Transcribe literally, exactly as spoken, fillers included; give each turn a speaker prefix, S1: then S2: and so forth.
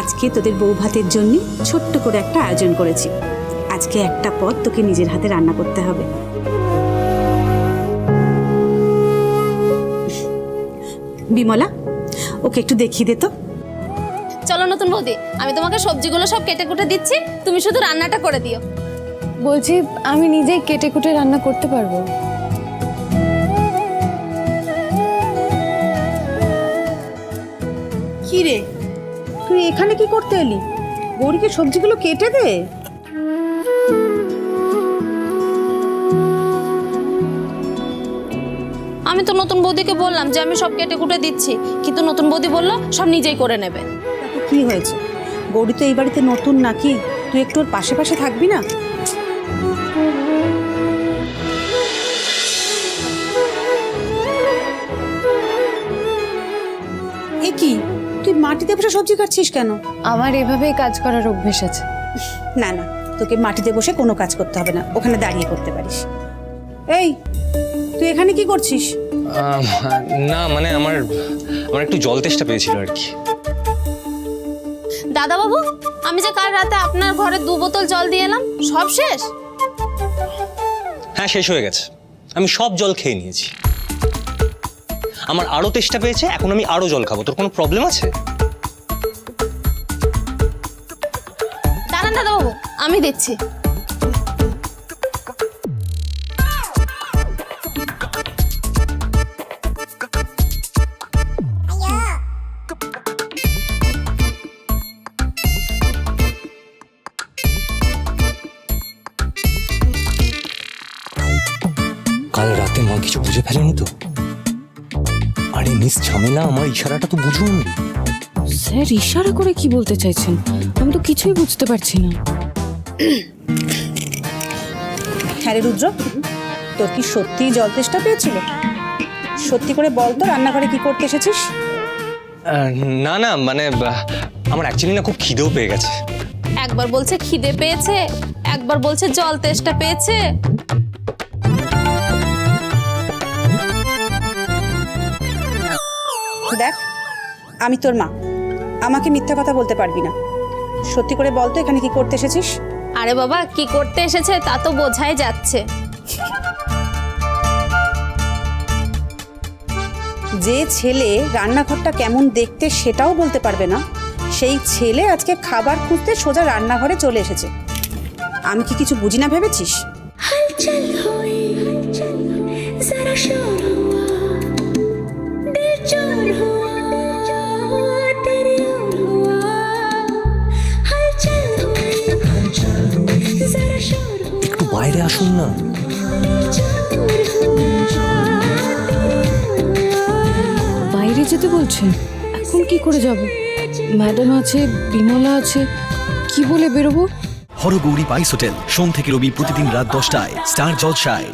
S1: আজকে তোদের বউ ভাতের জন্য ছোট্ট করে একটা আয়োজন করেছি। আজকে একটা পদ তোকে নিজের হাতে রান্না করতে হবে। বিমলা, ওকে একটু দেখিয়ে দে তো।
S2: চলো নতুন বৌদি, আমি তোমাকে সবজিগুলো সব কেটে কুটে দিচ্ছি, তুমি শুধু রান্নাটা করে দিও।
S3: বলছি আমি নিজেই কেটে কুটে রান্না করতে পারবো।
S1: কি রে, তুই এখানে কি করতে এলি? গৌরীকে সবজিগুলো কেটে দে।
S2: আমি তো নতুন বৌদিকে বললাম যে আমি সব কেটে কুটে দিচ্ছি, কিন্তু নতুন বৌদি বললো সব নিজেই করে নেবে।
S1: তাতে কি হয়েছে? গৌরী তো এই বাড়িতে নতুন নাকি, তুই একটু ওর পাশে পাশে থাকবি না? এ কি, তুই মাটিতে বসে সবজি কাটছিস কেন?
S3: আমার এভাবেই কাজ করার অভ্যেস আছে।
S1: না না, তোকে মাটিতে বসে কোনো কাজ করতে হবে না, ওখানে দাঁড়িয়ে করতে পারিস। এই, তুই এখানে কি করছিস?
S4: আহ, না মানে আমার আমার একটু জল তেষ্টা পেয়েছিল আর কি।
S2: দাদা বাবু, আমি যে কাল রাতে আপনার ঘরে দু বোতল জল দিয়ে এলাম, সব শেষ?
S4: হ্যাঁ, শেষ হয়ে গেছে। আমি সব জল খেয়ে নিয়েছি। আমার আরো তেষ্টা পেয়েছে, এখন আমি আরো জল খাবো। তোর কোনো প্রবলেম আছে?
S2: দাঁড়ান দাদা বাবু, আমি দিচ্ছি।
S4: কাল রাতে মা কিছু বুঝে ফেলেনি তো? আরে মিস ঝামেলা, আমার ইশারাটা তো বুঝুন।
S3: স্যার ইশারা করে কি বলতে চাইছেন? আমি তো কিছুই বুঝতে পারছি না।
S1: হ্যাঁ রে রুদ্র, তোর কি সত্যিই জল তেষ্টা পেয়েছিল? সত্যি করে বল তো, রান্নাঘরে কি করতে এসেছিস?
S4: আহ, না না মানে আহ, আমার অ্যাকচুয়ালি না খুব খিদেও পেয়ে গেছে।
S2: একবার বলছে খিদে পেয়েছে, একবার বলছে জল তেষ্টা পেয়েছে।
S1: দেখ, আমি তোর মা, আমাকে মিথ্যা কথা বলতে পারবি না। সত্যি করে বল তো, এখানে কি করতে এসেছিস?
S2: আরে বাবা, কি করতে এসেছে তা তো বোঝাই যাচ্ছে।
S1: যে ছেলে রান্নাঘরটা কেমন দেখতে সেটাও বলতে পারবে না, সেই ছেলে আজকে খাবার খুঁজতে সোজা রান্নাঘরে চলে এসেছে। আমি কি কিছু বুঝি না ভেবেছিস?
S5: हलचल हुई जरा शोर हुआ दिल चोर हुआ तेरी ओर हुआ हलचल हुई जरा शोर हुआ
S4: একটু বাইরে আসুন না।
S5: चोर हुआ
S3: বাইরে যেতে বলছেন? এখন কি করে যাব? ম্যাডাম আছে, বিমলা আছে, কি বলে বেরোবো?
S6: হরগৌরী পাইস হোটেল, সোম থেকে রবি প্রতিদিন রাত দশটায় স্টার জলসায়।